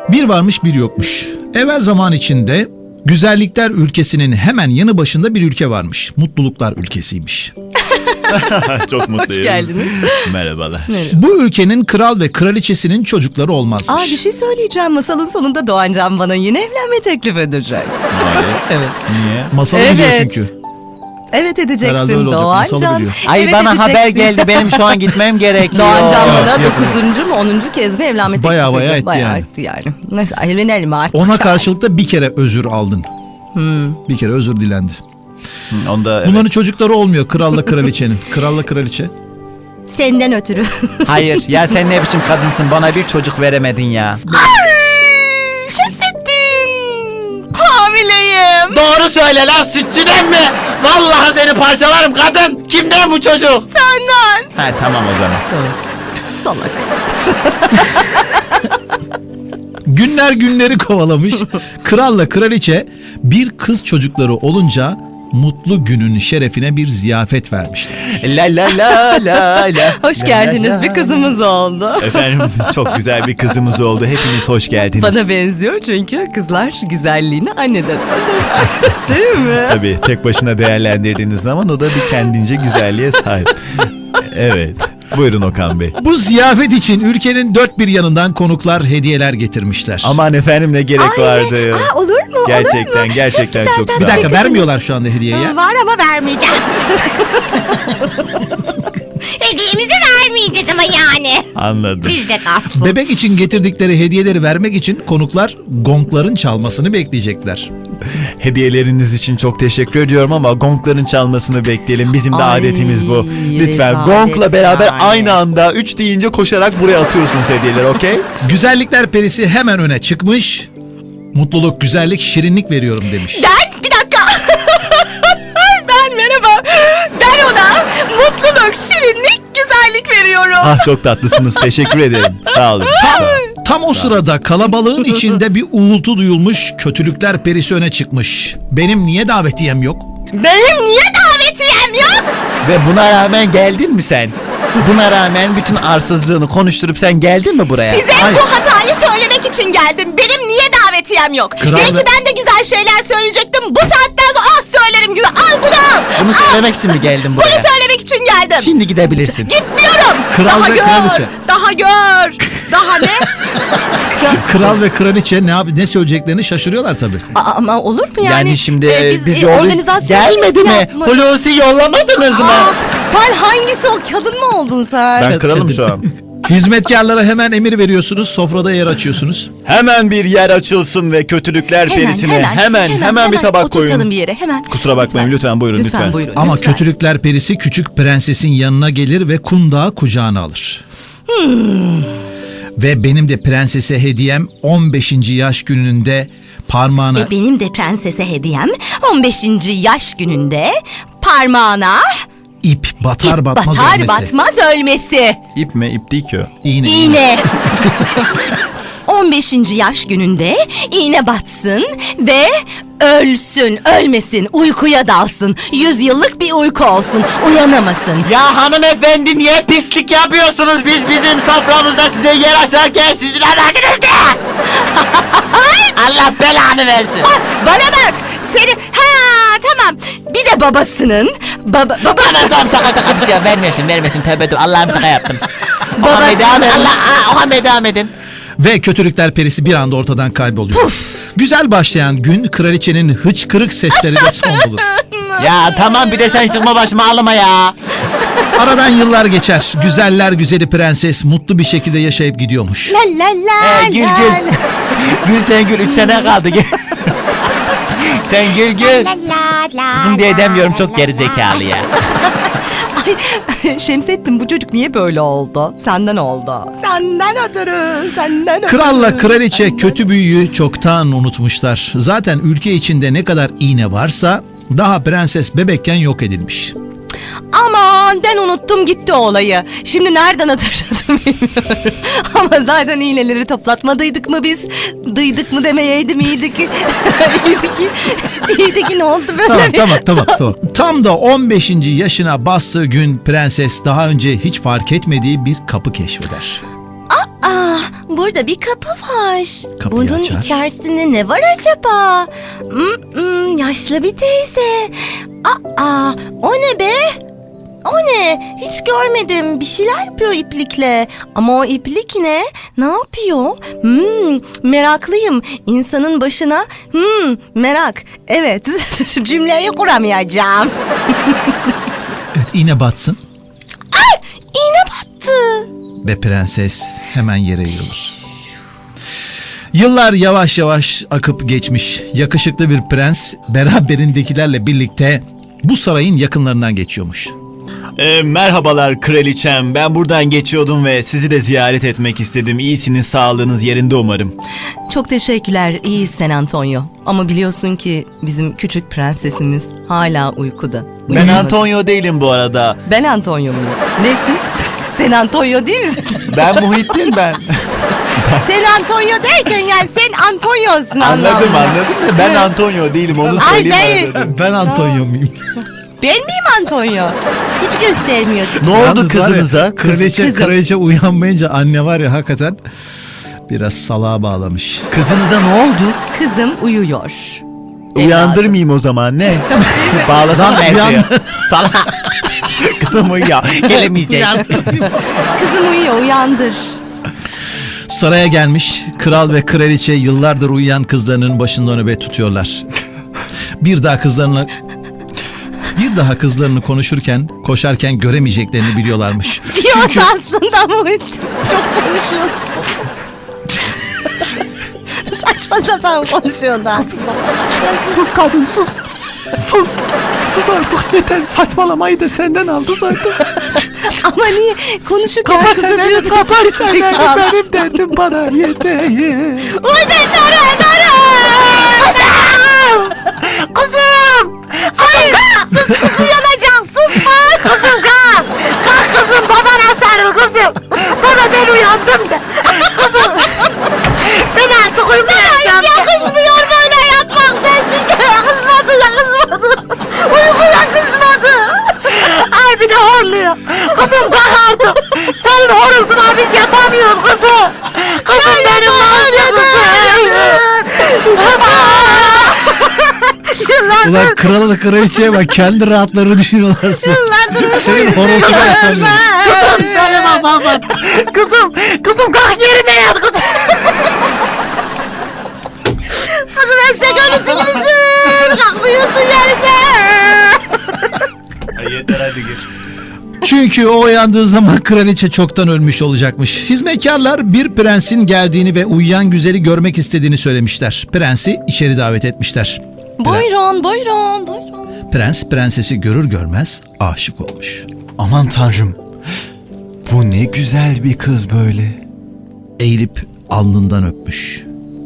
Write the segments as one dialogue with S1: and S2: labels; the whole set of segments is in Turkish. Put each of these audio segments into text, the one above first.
S1: Bir varmış bir yokmuş. Evvel zaman içinde güzellikler ülkesinin hemen yanı başında bir ülke varmış. Mutluluklar ülkesiymiş.
S2: Çok mutluyum.
S3: Hoş geldiniz.
S2: Merhabalar.
S1: Bu ülkenin kral ve kraliçesinin çocukları olmazmış.
S3: Bir şey söyleyeceğim. Masalın sonunda Doğan Can bana yine evlenme teklif edecek.
S2: Hayır.
S3: Evet.
S2: Niye?
S1: Masalı
S3: Evet.
S1: biliyor çünkü.
S3: Evet
S1: Herhalde öyle
S3: edeceksin
S1: olacak,
S3: Doğan
S1: masalı
S3: Can.
S1: biliyor.
S4: Ay
S3: Evet,
S4: bana
S3: edeceksin.
S4: haber geldi, benim şu an gitmem gerekiyor.
S3: Doğan Can bana
S1: Yok, yok.
S3: 9. mu 10. kez mi evlenme teklif
S1: Bayağı
S3: ediyor?
S1: etti yani.
S3: Etti yani. Neyse evlenelim artık.
S1: Ona karşılık da bir kere özür aldın. Bir kere özür dilendi.
S2: Onda
S1: Bunların çocukları olmuyor kralla kraliçenin. Kralla kraliçe.
S3: Senden ötürü.
S4: Hayır ya, sen ne biçim kadınsın, bana bir çocuk veremedin ya.
S3: Şemsettin. Hamileyim.
S4: Doğru söyle lan, sütçüden mi? Vallahi seni parçalarım kadın. Kimden bu çocuk?
S3: Senden.
S4: Ha tamam o zaman.
S3: Salak.
S1: Günler günleri kovalamış. Kralla kraliçe bir kız çocukları olunca mutlu günün şerefine bir ziyafet vermişler.
S4: La la la la la.
S3: Hoş geldiniz, bir kızımız oldu.
S2: efendim çok güzel bir kızımız oldu. Hepiniz hoş geldiniz.
S3: Bana benziyor çünkü kızlar güzelliğini anneden alır. Değil mi?
S2: Tabii tek başına değerlendirdiğiniz zaman o da bir kendince güzelliğe sahip. Evet. Buyurun Okan Bey.
S1: Bu ziyafet için ülkenin dört bir yanından konuklar hediyeler getirmişler.
S2: Aman efendim ne gerek vardı.
S3: Olur mu?
S2: Gerçekten gerçekten çok sağ
S1: Bir
S2: olun.
S1: dakika, vermiyorlar şu anda hediyeyi ya.
S5: Var ama vermeyeceğiz. Hediyemizi vermeyeceğiz ama yani.
S2: Anladım.
S5: Bizde kalsın.
S1: Bebek için getirdikleri hediyeleri vermek için konuklar gongların çalmasını bekleyecekler.
S2: Hediyeleriniz için çok teşekkür ediyorum ama gongların çalmasını bekleyelim. Bizim de
S3: Ay,
S2: adetimiz bu. Lütfen
S3: rezalet
S2: gongla beraber
S3: yani.
S2: aynı anda 3 deyince koşarak buraya atıyorsunuz hediyeleri, okey?
S1: Güzellikler perisi hemen öne çıkmış. Mutluluk, güzellik, şirinlik veriyorum demiş.
S3: Bir dakika. Merhaba. Ben ona mutluluk, şirinlik, güzellik veriyorum.
S2: Ah çok tatlısınız. Teşekkür ederim. Sağ olun. Sağ olun.
S1: Tam o sırada kalabalığın içinde bir uğultu duyulmuş, kötülükler perisi öne çıkmış. Benim niye davetiyem yok?
S3: Benim niye davetiyem yok?
S4: Ve buna rağmen geldin mi sen? Buna rağmen bütün arsızlığını konuşturup sen geldin mi buraya?
S3: Size
S1: Hayır.
S3: bu hatayı söylemek için geldim. Benim niye davetiyem yok?
S1: Kral
S3: Belki
S1: ve-
S3: ben de güzel şeyler söyleyecektim. Bu saatten sonra söylerim güzel. Al bunu.
S4: Bunu söylemek için mi geldin
S3: Bunu
S4: buraya?
S3: söylemek için geldim.
S4: Şimdi gidebilirsin.
S3: Gitmiyorum.
S1: Kral
S3: Daha
S1: ve
S3: gör.
S1: kraliçe.
S3: Daha gör. Daha ne?
S1: Kral ve kraliçe ne söyleyeceklerini şaşırıyorlar tabii.
S3: Ama olur mu yani?
S4: Yani şimdi biz
S3: organizasyon
S4: gelmedi mi?
S3: yapmadık.
S4: Hulusi yollamadınız mı?
S3: Sen hangisi o? Kadın mı oldun sen?
S2: Ben kralım şu an.
S1: Hizmetkarlara hemen emir veriyorsunuz, sofrada yer açıyorsunuz.
S2: Hemen bir yer açılsın ve kötülükler perisine hemen bir tabak
S3: oturtalım
S2: koyun.
S3: bir yere hemen.
S2: Kusura bakmayın lütfen buyurun lütfen.
S3: Buyurun,
S1: Ama
S3: lütfen.
S1: kötülükler perisi küçük prensesin yanına gelir ve kundağı kucağına alır. Ve benim de prensese hediyem 15. yaş gününde parmağına...
S3: Benim de prensese hediyem 15. yaş gününde parmağına
S1: ip batar batmaz
S3: batar
S1: ölmesi.
S3: batmaz ölmesi.
S2: İp mi? İp değil ki o.
S1: İğne.
S3: İğne. 15. yaş gününde iğne batsın ve ölmesin, uykuya dalsın. 100 yıllık bir uyku olsun, uyanamasın.
S4: Ya hanımefendi, niye pislik yapıyorsunuz? Biz bizim soframızda size yer açarken sizin anacınız ne? Allah belanı versin.
S3: Bana bak, seni... tamam. Bir de babasının... Baba...
S4: Bana tamam, şaka bir şey vermesin tövbe dur, Allah'ım şaka yaptım.
S3: Babasının-
S4: Okan Bey devam edin.
S1: Ve kötülükler perisi bir anda ortadan kayboluyor. Güzel başlayan gün kraliçenin hıçkırık sesleri de son bulur.
S4: Ya tamam, bir de sen çıkma başıma, ağlama ya.
S1: Aradan yıllar geçer. Güzeller güzeli prenses mutlu bir şekilde yaşayıp gidiyormuş.
S3: La la la
S4: Gül
S3: la
S4: gül.
S3: la.
S4: Gül sen gül, 3 sene kaldı gül. Sen gül. Kızım diye demiyorum, çok gerizekalı ya.
S3: Ay, Şemsettin, bu çocuk niye böyle oldu? Senden oldu. Senden ötürü.
S1: Kralla kraliçe kötü büyüyü çoktan unutmuşlar. Zaten ülke içinde ne kadar iğne varsa daha prenses bebekken yok edilmiş.
S3: Aman, ben unuttum gitti olayı. Şimdi nereden hatırladım bilmiyorum. Ama zaten iğneleri toplatmadıydık mı biz? Dıydık mı demeyeydim, iyiydi ki. iyiydi ki ne oldu böyle?
S1: Tamam. Tam da 15. yaşına bastığı gün prenses daha önce hiç fark etmediği bir kapı keşfeder.
S3: Burada bir kapı var.
S1: Kapıyı
S3: Bunun
S1: açar.
S3: içerisinde ne var acaba? Yaşlı bir teyze. Aa, o ne be? O ne? Hiç görmedim. Bir şeyler yapıyor iplikle. Ama o iplik ne? Ne yapıyor? Meraklıyım. İnsanın başına merak. Evet. Cümleyi kuramayacağım.
S1: Evet, iğne batsın
S3: İğne battı.
S1: ve prenses hemen yere yığılır. Yıllar yavaş yavaş akıp geçmiş. Yakışıklı bir prens beraberindekilerle birlikte bu sarayın yakınlarından geçiyormuş.
S2: Merhabalar kraliçem. Ben buradan geçiyordum ve sizi de ziyaret etmek istedim. İyisiniz, sağlığınız yerinde umarım.
S3: Çok teşekkürler. İyiyiz San Antonio. Ama biliyorsun ki bizim küçük prensesimiz hala uykuda.
S2: Ben
S3: Uyumadı.
S2: Antonio değilim bu arada.
S3: Ben Antonio muyum? Nesin? Sen Antonio değil misin?
S2: Ben Muhittin ben.
S3: Sen Antonio derken yani sen Antonio'sun
S2: Anladım
S3: anlamında.
S2: da ben Antonio değilim onu
S3: Ay,
S2: söyleyeyim
S3: değil.
S2: arada.
S1: Ben Antonio muyum?
S3: Ben miyim Antonio? Hiç göstermiyor.
S2: Ne oldu
S1: Yalnız var ya,
S2: kızınıza?
S1: Kraliçe, kraliçe uyanmayınca anne var ya hakikaten biraz salağa bağlamış.
S2: Kızınıza ne oldu?
S3: Kızım uyuyor.
S2: Uyandırmayayım o zaman ne? Bağlasam
S1: Lan,
S2: belki.
S1: uyan.
S2: Salak. Kızım uyuyor. Gelemeyecek.
S3: Kızım uyuyor, uyandır.
S1: Saraya gelmiş kral ve kraliçe yıllardır uyuyan kızlarının başında nöbet tutuyorlar. Bir daha kızlarını konuşurken, koşarken göremeyeceklerini biliyorlarmış.
S3: Diyordu aslında Muhittin. Çok konuşuyordu. Saçma sapan konuşuyordu aslında.
S2: Sus kadın sus. Sus. Sus artık yeter. Saçmalamayı da senden aldı zaten.
S3: Ama niye konuşurken
S2: Kapat
S3: kızı
S2: çeneni,
S3: diyordu.
S2: kapat çeneni. Benim derdim bana yeter.
S3: Uy be nere?
S5: Kızım! Kızım kalk! Sus kızım yanacak sus! Kızım kalk! Kalk kızım babana sarıl kızım! Baba ben uyandım da! Kızım! Ben artık uyumayacağım. Hiç yakışmıyor böyle yatmak sessizce yakışmadı. Uyku yakışmadı. Ay bir de horluyor. Kızım kalk artık. Senin horultuna biz yatamıyoruz kızım. Kızım benim nazlı kızım.
S1: Ulan krala da kraliçeye bak kendi rahatlarını düşünüyorlar. Senin horultuna yatamıyor.
S5: Benim babam. Kızım kalk yerine yat kızım. Kızım eşek ölüsü gibisin. Kalkmıyorsun yerinde.
S2: Yeter hadi gir.
S1: Çünkü o uyandığı zaman kraliçe çoktan ölmüş olacakmış. Hizmetkarlar bir prensin geldiğini ve uyuyan güzeli görmek istediğini söylemişler. Prensi içeri davet etmişler.
S3: Buyurun.
S1: Prens prensesi görür görmez aşık olmuş.
S2: Aman tanrım. Bu ne güzel bir kız böyle.
S1: Eğilip alnından öpmüş.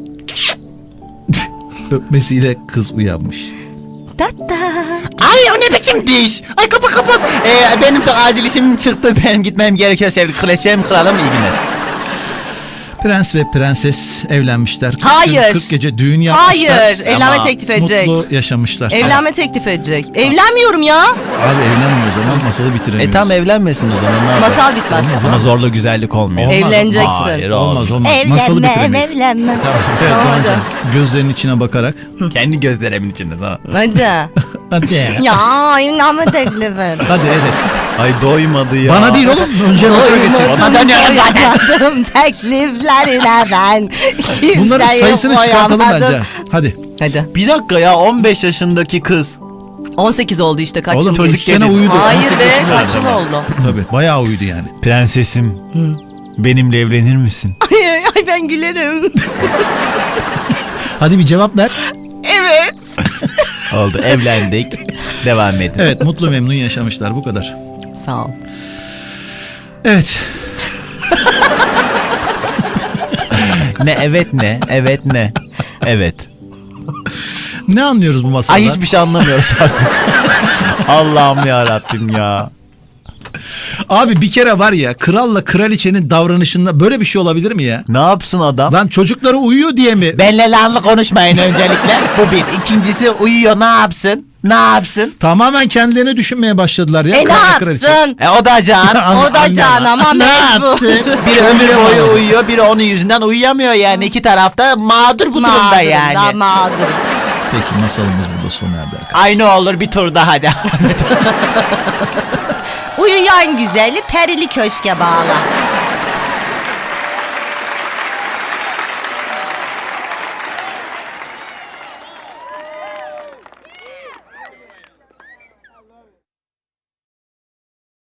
S1: Öpmesiyle kız uyanmış.
S3: Tata.
S4: Ay o ne biçim diş? Ay kapı. Benim çok acil işim çıktı. Benim gitmem gerekiyor sevgili kraliçem, kralım, iyi günler.
S1: Prens ve prenses evlenmişler. 40
S3: Hayır.
S1: gün, 40 gece düğün yapmışlar.
S3: Hayır. Evlenme
S2: Ama
S3: teklif edecek.
S1: Mutlu yaşamışlar.
S3: Evlenme teklif edecek. Evlenmiyorum ya.
S1: Abi evlenmiyor o zaman masalı bitiremiyoruz.
S2: Tam evlenmesin o zaman ne yapalım?
S3: Masal bitmez.
S2: Ama zorla güzellik olmuyor.
S1: Olmaz.
S3: Evleneceksin.
S2: Hayır
S1: Olmaz. Masalı bitiremeyiz.
S3: Evlenme.
S1: Evet
S3: Tamam,
S1: Doğancan, gözlerinin içine bakarak.
S2: Kendi gözlerimin içinde tamam.
S3: Hadi.
S1: Hadi.
S3: Ya evlenme teklifi.
S1: Hadi evet.
S2: Ay doymadı ya.
S1: Bana değil oğlum. Önce motora geçecek.
S4: Ona dönüyorum zaten.
S3: Doyamadım tekliflerine ben.
S1: Bunların
S3: Kimseyi
S1: sayısını çıkartalım
S3: koyamadım.
S1: bence. Hadi.
S3: Hadi.
S2: Bir dakika ya 15 yaşındaki kız.
S3: 18 oldu işte kaç
S1: Oğlum
S3: yıl
S1: çocuk
S3: geçti?
S1: sene uyudu.
S3: Hayır
S1: 18
S3: be
S1: yaşında
S3: kaç yıl
S1: adam.
S3: oldu?
S1: Tabii bayağı uyudu yani.
S2: Prensesim. Benimle evlenir misin?
S3: Ay ben gülerim.
S1: Hadi bir cevap ver.
S3: Evet.
S2: Oldu evlendik. Devam edin.
S1: Evet mutlu memnun yaşamışlar bu kadar.
S3: Sağ ol.
S1: Evet.
S2: Ne evet ne? Evet ne? Evet.
S1: Ne anlıyoruz bu masaldan?
S2: Ay hiçbir şey anlamıyoruz artık. Allah'ım ya Rabbim ya.
S1: Abi bir kere var ya, kralla kraliçenin davranışında böyle bir şey olabilir mi ya?
S2: Ne yapsın adam?
S1: Lan çocukları uyuyor diye mi?
S4: Benle lanlı konuşmayın öncelikle. Bu bir. İkincisi uyuyor, ne yapsın? Ne yapsın?
S1: Tamamen kendilerini düşünmeye başladılar ya.
S3: Ne
S1: kralla kraliçe.
S3: yapsın?
S4: O da can.
S3: O da can ama
S1: Ne
S3: mecbur.
S1: yapsın?
S4: Biri ömür boyu
S1: Uyuyamadı.
S4: uyuyor, biri onun yüzünden uyuyamıyor yani. İki tarafta mağdur bu durumda
S3: Mağdurum
S4: yani.
S3: da mağdurum.
S1: Peki masalımız burada sona erdi arkadaşlar.
S4: Aynı olur, bir tur daha hadi.
S3: Uyuyan güzeli perili köşke bağla.